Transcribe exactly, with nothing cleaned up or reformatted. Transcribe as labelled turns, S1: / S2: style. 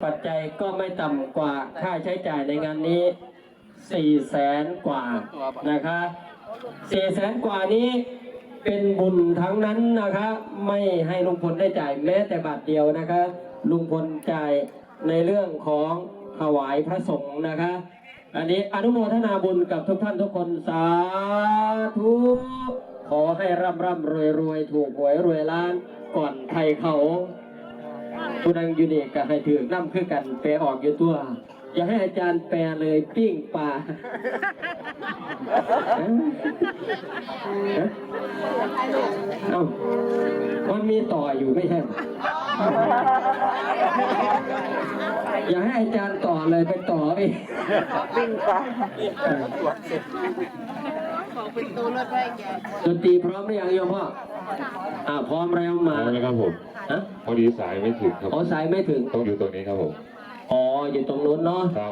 S1: ปัจจัยก็ไม่ต่ำกว่าค่าใช้จ่ายในงานนี้สี่แสนกว่านะคะสี่แสนกว่านี้เป็นบุญทั้งนั้นนะคะไม่ให้ลุงพลได้จ่ายแม้แต่บาทเดียวนะคะลุงพลจ่ายในเรื่องของถวายพระสงฆ์นะคะอันนี้อนุโมทนาบุญกับทุกท่านทุกคนสาธุขอให้ร่ำร่ำรวยรวยถูกหวยรวยล้านก่อนไทยเขาผู้ดังยูนิคก็ให้ถือน้ำคือกันแปลออกอยู่ตัวอย่าให้อาจารย์แปลเลยปิ้งปลาเอ้ามันมีต่ออยู่ไม่ใช่อย่าให้อาจารย์ต่อเลยไปต่ออีกปิ้งปลาของเป็นตัวรถไฟแกดนตรีพร้อมหรือยังโยมพ่ออ่าพร้อมแล้วมา
S2: แล้วครับผมพอดีสายไม่ถึงครับอ๋อ
S1: สายไม่ถึง
S2: ต้องอยู่ตรงนี้ครับผม
S1: อ๋ออยู่ตรงนู้นเนาะ